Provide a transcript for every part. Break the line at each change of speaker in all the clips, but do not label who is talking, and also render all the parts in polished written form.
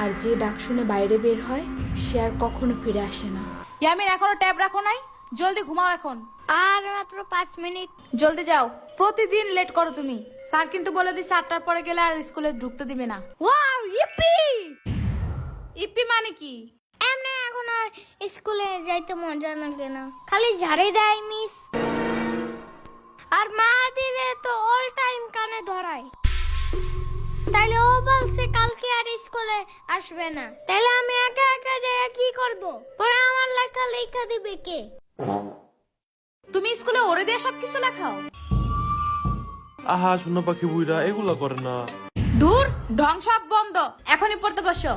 আর যে ডাক শুনে বাইরে বের হয় সে আর কখনো ফিরে আসে না। ইয়ামিন, এখনো ট্যাব রাখো নাই? জলদি ঘুমাও এখন।
আর মাত্র 5 মিনিট।
জলদি যাও, প্রতিদিন লেট করো তুমি। স্যার কিন্তু বলে দিচ্ছে 8টার পরে গেলে আর স্কুলে ঢুকতে দিবে না।
Wow, E P!
ইপি মানে কি?
এমনি এখন আর স্কুলে যাইতে মজা লাগে না, খালি ঝাড়ে দেয় মিস। আর মা দিলে তো অল টাইম কানে ধরায়। তাইলে ও বলছে কালকে আর স্কুলে আসবে না, তাইলে আমি একা একা যাই কি করব? পরে আমার লেখা লেখা দিবে কে?
তুমি স্কুলে ওরে দিয়ে সবকিছু লেখাও?
আহা শোনা পাখি বুইরা এগুলা করে না।
দূর, ঢং সব বন্ধ, এখনই পড়তে বসো।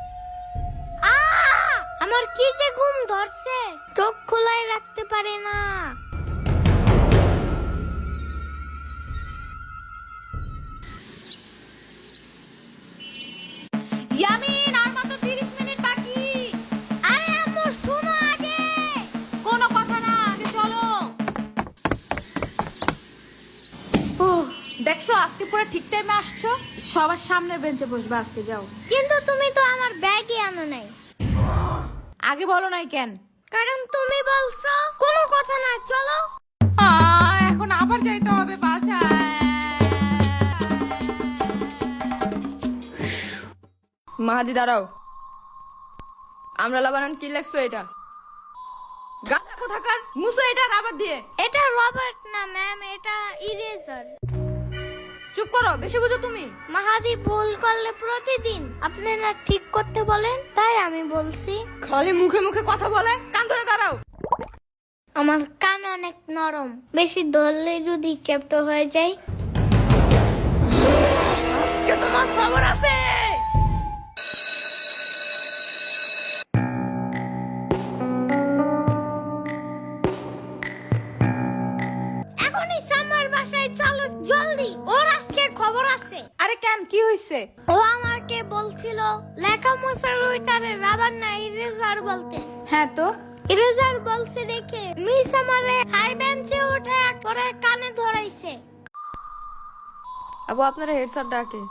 আমার কি যে ঘুম ধরছে, চোখ খোলাই রাখতে পারি না।
ইয়ামিন, আর মাত্র 30 মিনিট বাকি।
আরে আম্মু শোনো আগে।
কোনো কথা না, আগে চলো। ওহ, দেখছো আজকে পুরো ঠিক টাইমে আসছো। সবার সামনে বেঞ্চে বসবে আজকে, যাও।
কিন্তু তুমি তো আমার ব্যাগই আনো নাই।
আগে বলো নাই কেন?
কারণ তুমি বলছো। কোনো কথা না, চলো।
এখন আবার যাইতে হবে বাসায়।
মাহাদি দাঁড়াও, আমরা লাবানান কি লেখছো এটা? গাটা কোথাকার, মুছো এটা রাবার দিয়ে।
এটা রবার্ট না ম্যাম, এটা ইরেজার।
চুপ করো, বেশি বুঝো তুমি।
মাহাদি ভুল করলে প্রতিদিন আপনি না ঠিক করতে বলেন, তাই আমি বলছি।
খালি মুখে মুখে কথা বলে, কান ধরে দাঁড়াও।
আমার কান অনেক নরম, বেশি ধরলে যদি চ্যাপ্টা হয়ে যায়।
আজকে তোমার খবর আছে।
এখনই সামার বাসায় চলো জলদি, ওর আজকে খবর আছে।
আরে কেন, কি হয়েছে?
ও আমাকে বলছিল লেখা মোছার ওইটারে রাবার না ইরেজার বলতে।
হ্যাঁ তো,
ইরেজার বলছে দেখে মিস আমারে হাই বেঞ্চে উঠে পরে কানে ধরাইছে।
আবু আপনারা হেড স্যার ডাকে।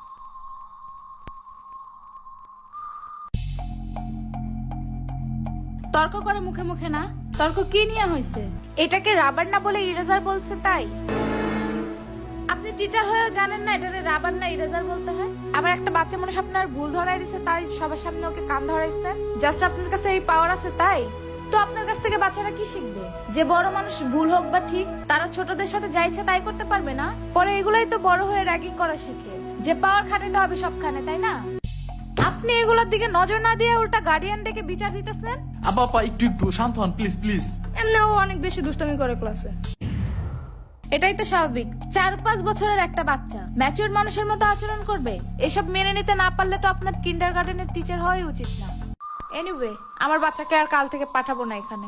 তর্ক করে মুখে মুখে না। তর্ক কি নিয়ে হয়েছে? এটাকে রাবার না বলে ইরেজার বলছে তাই? আপনি টিচার হয়েও জানেন না এটাকে রাবার না ইরেজার বলতে হয়? আবার একটা বাচ্চা মানুষ আপনার ভুল ধরাই দিছে, তাই সবার সামনে ওকে কান ধরাইছেন। জাস্ট আপনার কাছে এই পাওয়ার আছে তাই? তো আপনার কাছ থেকে বাচ্চারা কি শিখবে? যে বড় মানুষ ভুল হোক বা ঠিক, তারা ছোটদের সাথে যা ইচ্ছা তাই করতে পারবে না? পরে এগুলাই তো বড় হয়ে র্যাগিং করা শিখে, যে পাওয়ার খাটাতে হবে সবখানে, তাই না? আপনি এগুলোর দিকে নজর না দিয়ে উল্টা গার্ডিয়ান ডেকে বিচার দিতেছেন।
আপা একটু একটু শান্ত হন প্লিজ প্লিজ।
এমনি ও অনেক বেশি দুষ্টামি করে ক্লাসে।
এটাই তো স্বাভাবিক, 4-5 বছরের একটা বাচ্চা ম্যাচিউর মানুষের মতো আচরণ করবে। এসব মেনে নিতে না পারলে তো আপনার কিন্ডারগার্টেনের টিচার হওয়াই উচিত না। এনিওয়ে, আমার বাচ্চাকে আর কাল থেকে পাঠাবো না এখানে।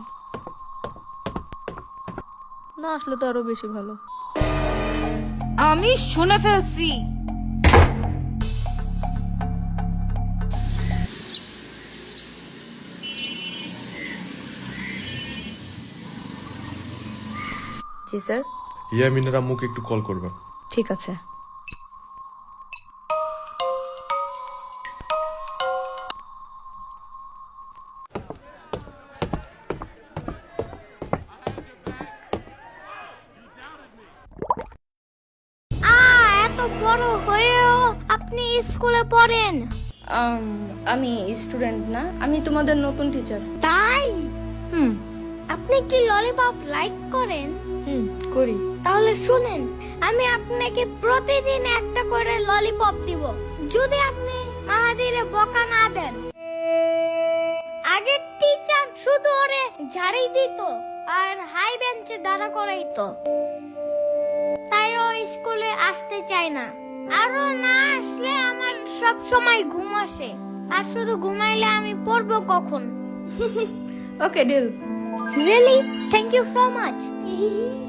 না আসলে তো আরো বেশি ভালো।
আমি শুনে ফেলছি।
জি স্যার।
ইয়ামিনের আম্মুকে একটু কল করবেন।
ঠিক আছে।
এত বড় হয়েও আপনি স্কুলে পড়েন?
আমি স্টুডেন্ট না, আমি তোমাদের নতুন টিচার।
তাই?
হুম
আপনি কি ললিপপ লাইক করেন?
হুম করি।
তাহলে শুনেন, আমি আপনাকে প্রতিদিন একটা করে ললিপপ দিব যদি আপনি মাহাদিরে বকা না দেন। আগের টিচার শুধু ওরে ঝাড়ি দিত আর হাই বেঞ্চে দাঁড়া করাইতো, তাই ও স্কুলে আসতে চায় না। আরো না আসলে আমার সব সময় ঘুম আসে, আর শুধু ঘুমাইলে আমি পড়বো কখন?
Okay deal.
Really? Thank you so much.